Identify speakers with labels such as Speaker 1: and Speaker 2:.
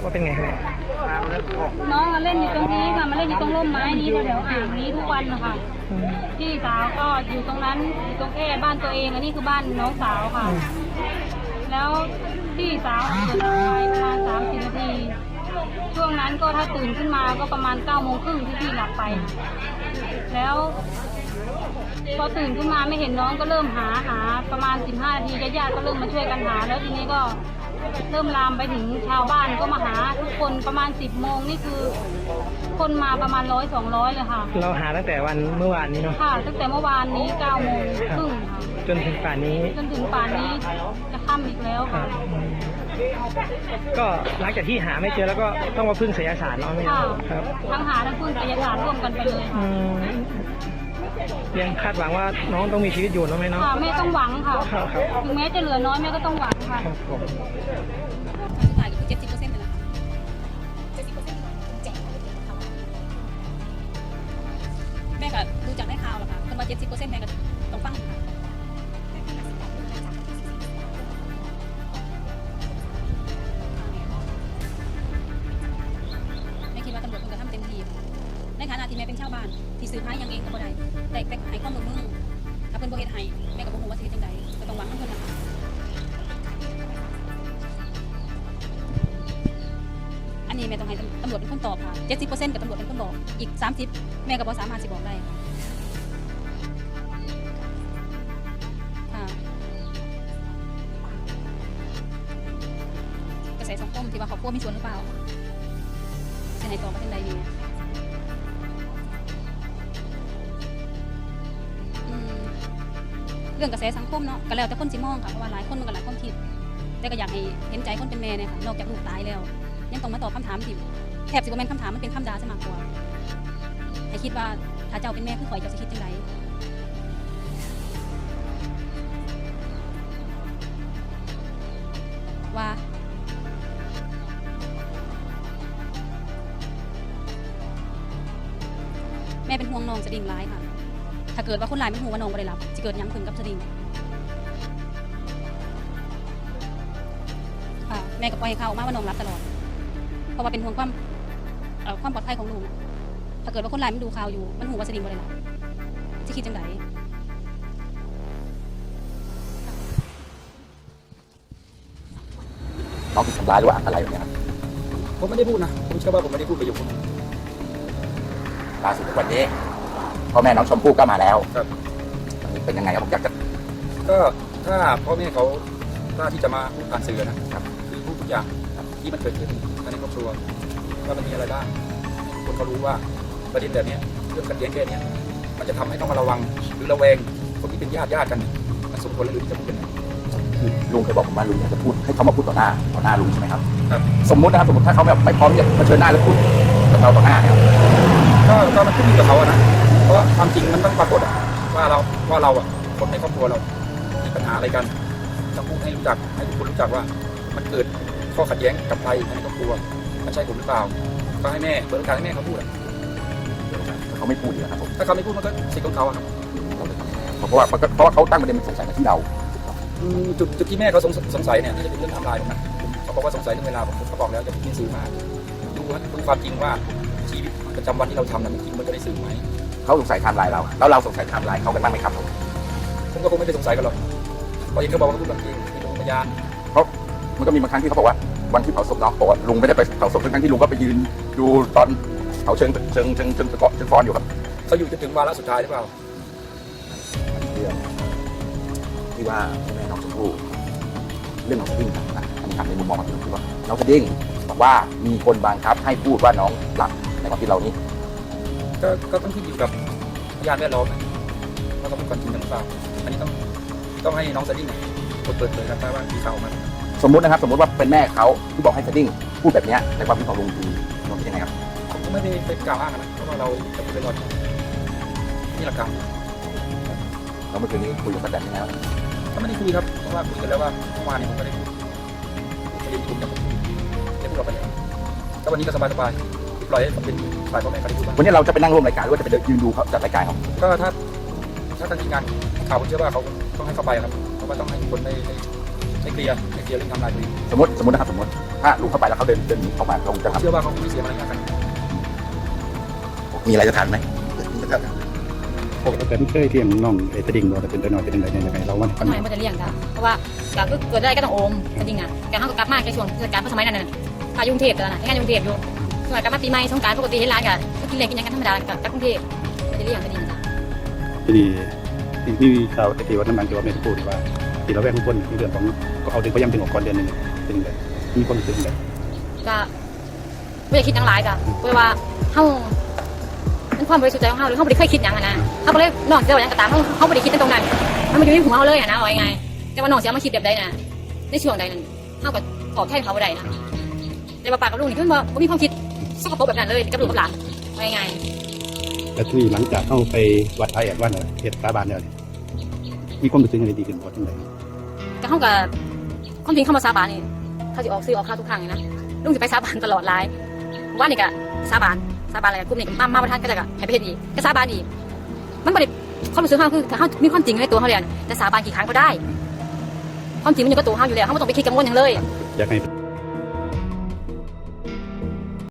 Speaker 1: ว่าเป็นไงครับ
Speaker 2: น้องมาเล่นอยู่ตรงนี้ค่ะมาเล่นอยู่ตรงร่มไม้นี้แถวๆอ่างนี้ทุกวันนะคะพี่สาวก็อยู่ตรงนั้นอยู่ตรงแค่บ้านตัวเองอันนี้คือบ้านน้องสาวค่ะ แล้วพี่สาวเดินไปประมาณ30 นาทีช่วงนั้นก็ถ้าตื่นขึ้นมาก็ประมาณ9:30ที่พี่หลับไป แล้วพอตื่นขึ้นมาไม่เห็นน้องก็เริ่มหาประมาณ15 นาทีญาติๆก็เริ่มมาช่วยกันหาแล้วทีนี้ก็เริ่มลามไปถึงชาวบ้านก็มาหาทุกคนประมาณ10 โมงนี่คือคนมาประมาณ100-200เลยค่ะ
Speaker 1: เราหาตั้งแต่วันเมื่อวานนี้เนาะ
Speaker 2: ค่ะตั้งแต่เมื่อวานนี้9:30ค่ะ
Speaker 1: จนถึงป่านนี้
Speaker 2: จะค่ำอีกแล้วค่ะ
Speaker 1: ก็หลังจากที่หาไม่เจอแล้วก็ต้องมาพึ่งไสยศาสตร์เนาะไหมครับ
Speaker 2: ทั้งหาทั้งพึ่งไสยศาสตร์ร่วมกันไปเลย
Speaker 1: ยังคาดหวังว่าน้องต้องมีชีวิตอยู่เนาะไหมเนาะ
Speaker 2: แม่ต้องหวังค่ะถึงแม้จะเหลือน้อยแม่ก็ต้องหวังค่ะ
Speaker 3: ขายอยู่70%เลยนะคะ70%แจกแม่ก็ดูจากได้ข่าวแล้วค่ะคนว่า70%แม่ก็ต้องฟังค่ะแม่คิดว่าตำรวจคงจะทำเต็มที่ในฐานะที่แม่เป็นชาวบ้านที่ซื้อผ้ายังเองก็บ่ได้แต่ให้ข้อมูลมึงถ้าเพิ่นบ่เฮ็ดให้แม่ก็บ่ฮู้ว่าสิเฮ็ดจังไดก็ต้องหวังนำเพิ่นนะคะอันนี้แม่ต้องให้ตำรวจเป็นคนตอบค่ะ70%กับตำรวจเป็นคนบอกอีก30แม่ก็บ่สามารถสิบอกได้ค่ะกระแสสังคมที่ว่าครอบครัวมีส่วนหรือเปล่าสิให้ตอบว่าจังได๋นี่เรื่องกระแสสังคมเนาะก็แล้วแต่คนสิมองค่ะเพราะว่าหลายคนมันก็หลายความคิดแต่ก็อยากให้เห็นใจคนเป็นแม่เนี่ยค่ะนอกจากลูกตายแล้วยังต้องมาตอบคำถามที่แทบสิบ่แม่นคำถามมันเป็นคำด่าซะมากกว่าให้คิดว่าถ้าเจ้าเป็นแม่คือข่อยเจ้าสิคิดจังไดว่าแม่เป็นห่วงน้องสดิ่งร้ายค่ะถ้าเกิดว่าคนร้ายไม่รู้ว่าน้องบ่ได้รับจะเกิดยังขึ้นกับสดิ่งค่ะแม่ก็ปล่อยให้เขาออกมาว่าน้องรับตลอดเพราะว่าเป็นห่วงความปลอดภัยของลูกถ้าเกิดว่าคนร้ายไม่ดูข่าวอยู่มันหูว่าสดิ่งบ่ได้รับจะคิดจังได
Speaker 4: น้องถูกทำร้ายหรือว่าอะไรแบบนี้ครับ
Speaker 5: ผมไม่ได้พูดนะผมเชื่อว่าผมไม่ได้พูดประโยคนี้
Speaker 4: ล่าสุดวันนี้พ่อแม่น้องชมพู่ก็มาแล้ว
Speaker 5: ครับ
Speaker 4: เป็นยังไงครับผมอยากจะ
Speaker 5: ก็ถ้าพ่อแม่เขากล้าที่จะมาพูดผ่านสื่อนะครับคือพูดทุกอย่างที่มันเกิดขึ้นในครอบครัวว่ามันมีอะไรบ้างคนเขารู้ว่าประเด็นแบบนี้เรื่องขัดแย้งแค่นี้มันจะทำให้ต้องมาระวังหรือระแวงคนที่เป็นญาติกันมันสมควรหรือที่จะพูดกัน
Speaker 4: คือลุงเคยบอกผมว่าลุงอยากจะพูดให้เขามาพูดต่อหน้าลุงใช่ไหมครับ
Speaker 5: ครับ
Speaker 4: สมมุตินะครับสมมติถ้าเขาแบบไม่พร้อมจะมาเชิญหน้าแล้วพูดกับเราต่อหน้าเนี่ย
Speaker 5: ก็มันขึ้นอยู่กับเขานะเพราะความจริงมันต้องปรากฏว่าเราคนในครอบครัวเรามีปัญหาอะไรกันต้องพูดให้รู้จักให้ทุกคนรู้จักว่ามันเกิดข้อขัดแย้งกับใครในครอบครัวมันใช่ผมหรือเปล่าก็ให้แม่เปิดโอกาสให้แม่เขาพูด
Speaker 4: เขาไม่พูดเลยครับผม
Speaker 5: ถ้าเขาไม่พูดมันก็สิทธิ์ของเขาครับ
Speaker 4: เพราะว่าเขาตั้งประเด็นมันสงสัยมาที่เรา
Speaker 5: จุดที่แม่เขาสงสัยเนี่ยน่าจะเป็นเรื่องไทม์ไลน์นะเขาบอกว่าสงสัยเรื่องเวลาผมเขาบอกแล้วจะพิสูจน์มากดูความจริงว่าชีวิตประจำวันที่เราทำนั้นจริงมันจะได้สื่อไหม
Speaker 4: เขาสงสัยไทม์ไลน์เราแล้วเราสงสัยไทม์ไลน์เขากันบ้างไหมครับ
Speaker 5: ผมก็คงไม่ได้สงสัยกันหรอกเพราะยังเขาบอกว่าพูดความจริงเป็นพยาน
Speaker 4: เพราะมันก็มีบางครั้งที่เขาบอกว่าวันที่เผาศพน้องบอกว่าลุงไม่ได้ไปเผาศพทั้งที่ลุงก็ไปยืนดูตอนเผาเชิงฟอนอยู่ครับ
Speaker 5: เขาอยู่จนถึงวาระสุดท้ายหรือเปล่า
Speaker 4: เรื่องที่ว่าแม่น้องชมพู่เรื่องของสดิ้งนะอันนี้ทำในมุมมองของผมคือว่าน้องสดิ้งบอกว่ามีคนบังคับให้พูดว่าน้องหลับในความคิดเรานี้
Speaker 5: ก็ต้องขึ้นอยู่กับพยานแวดล้อมว่าเขาเป็นคนจริงหรือเปล่าอันนี้ต้องให้น้องสดิ้งเปิดเผยครับว่ามีข่าวมา
Speaker 4: สมมุติว่าเป็นแม่เขาที่บอกให้สดิ้งพูดแบบนี้ในความคิดของลุงคือน้องเป็นยังไงครับ
Speaker 5: ผมก็ไม่ได้ไปกล่าวอ้างนะเพราะว่าเราจะไปรอนี่หลักการ
Speaker 4: เราเมื่อคืนนี้คุยกับป้าแตนแล้ว
Speaker 5: ก็ไม่ได้คุยครับเพราะว่าคุยกันแล้วว่าเมื่อวานนี้ผมก็ได้ประเด็นที่ผมจะพูดได้พูดออกไปแล้วก็วันนี้ก็สบายปล่อยให้เป็นฝ่ายพ่อแม่เขาได้พูดบ้าง
Speaker 4: วันนี้เราจะไปนั่งร่วมรายการหรือว่าจะไปยืนดูเขาจัดรายการเขา
Speaker 5: ก็ถ้าทางทีมงานข่าวผมเชื่อว่าเขาต้องให้เข้าไปครับเพราะว่าต้องให้คนได้ไม่เคลียร์เรื่องทำลายตัวเอง
Speaker 4: สมมตินะครับสมมติถ้าลุงเข้าไปแล้วเขาเดินหนีออกมาลงจะ
Speaker 5: ผม
Speaker 4: ทำ
Speaker 5: เชื่อว่าเขาไม่เสียมารยาทกัน
Speaker 4: มีอะไรจะถามไหม
Speaker 6: ปกติเคยเลี้ยงน้องตะดิ่งบ่แต่เป็นตัวน้อยเป็นยังไงเราว่า
Speaker 3: คนใหม่มันจะเลี้ยงจ้ะเพราะว่าก็เกิดอะไรก็ต้องโอมจริงๆอ่ะแกเขาก็กลับมาในช่วงเทศกาลเพราะสมัยนั้นน่ะพายุกรุงเทพตอนนั้นงานกรุงเทพอยู่สมัยกลับมาปีใหม่สงกรานต์ปกติเห็นร้านกันก็กินเลี้ยงกินยังกันธรรมดากับกรุงเทพมันจะเลี้ยงจริงๆจ้ะ
Speaker 6: ทีนี้มีข่าวที่ว่าน้ำมันที่ว่าแม่พูดว่าที่เราแวกทุกคนในเรื่องของก็เอาดึงพยายามดึงออกก่อนเดือนนึงเป็นไงมีคนรู้สึกไง
Speaker 3: ก็ไม่ได้คิดอย่างไรจ้ะเพราะว่าเฮาเป็นความบริสุทธิ์ใจของเฮาหรือเฮาไม่ได้เคยคิดอย่างนั้นนะเฮาก็เลยนอกเจ้าอย่างก็ตามเฮาไม่ได้คิดในตรงนั้นมันมาอยู่ในหัวเฮาเลยอะนะว่ายังไงแต่ว่าน้องเสียมาคิดแบบใดนะในช่วงใดนั้นเฮาก็ตอบแทนเขาบ่ได้นะแต่ว่าปากกับลุงนี่เพิ่นบ่มีความคิดสกปรกแบบนั้นเลยกับลูกกับหลานว่ายังไง
Speaker 6: แล้วที่หลังจากเข้าไปวัดไทยวันเขตสาบานเนี่ยมีความรู้สึกอะไรดีขึ้นบ่จังได๋
Speaker 3: ก็เฮาก็ความจริงเข้ามาสาบานนี่เขาสิออกซื้อออกค่าทุกครั้งเลยนะลุงสิไปสาบานตลอดหลายว่านี่ก็สาบานอะไรกลุ่มนี้มาประทานก็จะก็ให้ไปเฮ็ดอีกก็สาบานอีกมันบ่ได้ความรู้สึกเฮาคือเฮามีความจริงในตัวเฮาเลยแต่สาบานกี่ครั้งก็ได้ความจริงมันอยู่กับตัวเฮาอยู่แล้วเฮาบ่ต้องไปคิดกังวลหยังเลย
Speaker 6: อยากให้